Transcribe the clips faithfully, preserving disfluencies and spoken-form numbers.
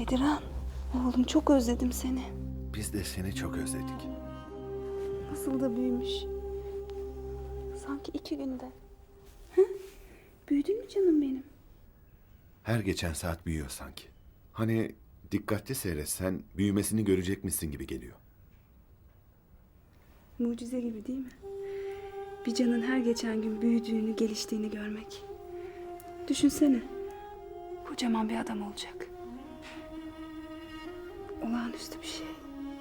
Bedirhan, oğlum çok özledim seni. Biz de seni çok özledik. Nasıl da büyümüş. Sanki iki günde. Hı? Büyüdün mü canım benim? Her geçen saat büyüyor sanki. Hani dikkatli seyretsen büyümesini görecekmişsin gibi geliyor. Mucize gibi değil mi? Bir canın her geçen gün büyüdüğünü, geliştiğini görmek. Düşünsene. Kocaman bir adam olacak. Olağanüstü bir şey.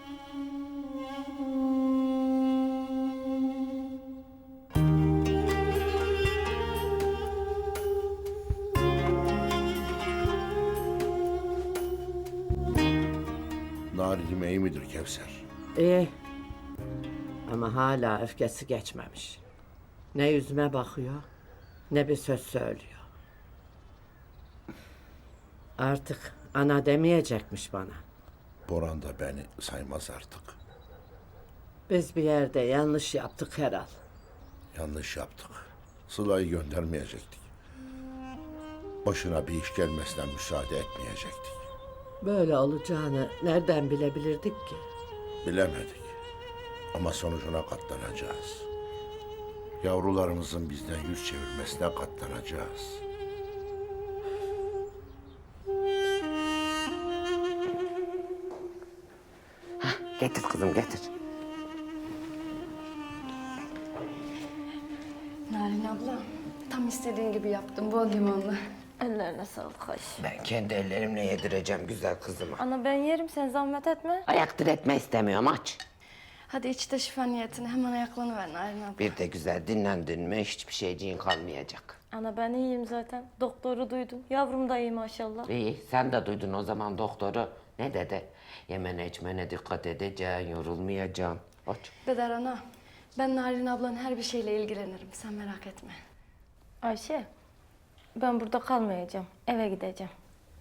Narinim iyi midir Kevser? İyi. Ama hala öfkesi geçmemiş. Ne yüzüme bakıyor, ne bir söz söylüyor. Artık ana demeyecekmiş bana. Boran da beni saymaz artık. Biz bir yerde yanlış yaptık herhal. Yanlış yaptık. Sıla'yı göndermeyecektik. Başına bir iş gelmesine müsaade etmeyecektik. Böyle olacağını nereden bilebilirdik ki? Bilemedik. Ama sonucuna katlanacağız. Yavrularımızın bizden yüz çevirmesine katlanacağız. Getir kızım getir. Narin abla, tam istediğin gibi yaptım, bol limonlu. Ellerine sağlık Ayşe. Ben kendi ellerimle yedireceğim güzel kızıma. Ana ben yerim, sen zahmet etme. Ayak diretme istemiyorum aç. Hadi iç de şifa niyetine hemen ayaklanıver Narin abla. Bir de güzel dinlendin mi hiçbir şeyciğin kalmayacak. Ana ben iyiyim zaten. Doktoru duydum. Yavrum da iyi maşallah. İyi sen de duydun o zaman doktoru. Ne dedi? Yemene içmene dikkat edeceksin, yorulmayacaksın. Aç. Deder ana, ben Narin ablanın her bir şeyle ilgilenirim, sen merak etme. Ayşe, ben burada kalmayacağım. Eve gideceğim.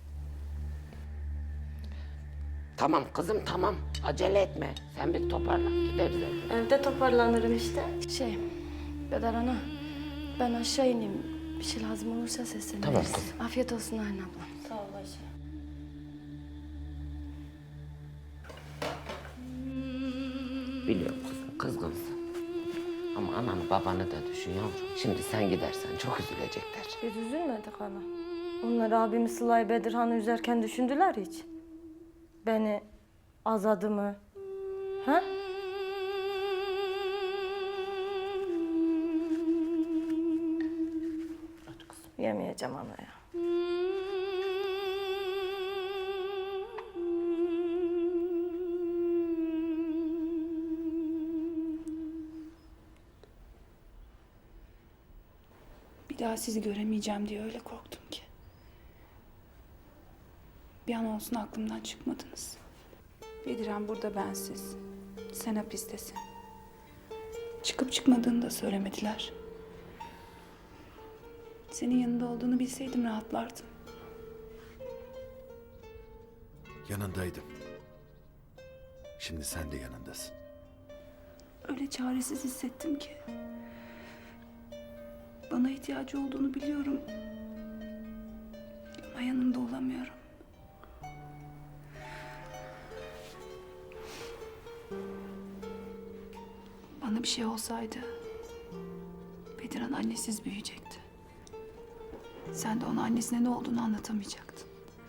Tamam kızım tamam. Acele etme. Sen bir toparla. Gideriz eve. Evde toparlanırım işte. Şey, Deder ana, ben aşağı ineyim. Bir şey lazım olursa sesleniriz. Tamam kızım. Afiyet olsun Narin abla. Sağ ol Ayşe. Biliyorum kızım kızgınsın. Ama ananı babanı da düşün yavrum. Şimdi sen gidersen çok üzülecekler. Biz üzülmedik ana. Onlar abimi Sıla'yı Bedirhan'ı üzerken düşündüler hiç. Beni, azadımı. Ha? Hadi kızım. Yemeyeceğim ana ya. Bir daha sizi göremeyeceğim diye öyle korktum ki. Bir an olsun aklımdan çıkmadınız. Bedirhan burada bensiz. Sen hapistesin. Çıkıp çıkmadığını da söylemediler. Senin yanında olduğunu bilseydim rahatlardım. Yanındaydım. Şimdi sen de yanındasın. Öyle çaresiz hissettim ki. Bana ihtiyacı olduğunu biliyorum. Ama yanında olamıyorum. Bana bir şey olsaydı Bedirhan annesiz büyüyecekti. Sen de ona annesine ne olduğunu anlatamayacaktın.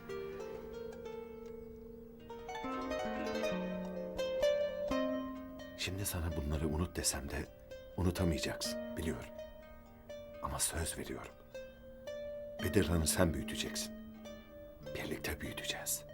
Şimdi sana bunları unut desem de unutamayacaksın biliyorum. Ama söz veriyorum. Bedirhan'ı sen büyüteceksin. Birlikte büyüteceğiz.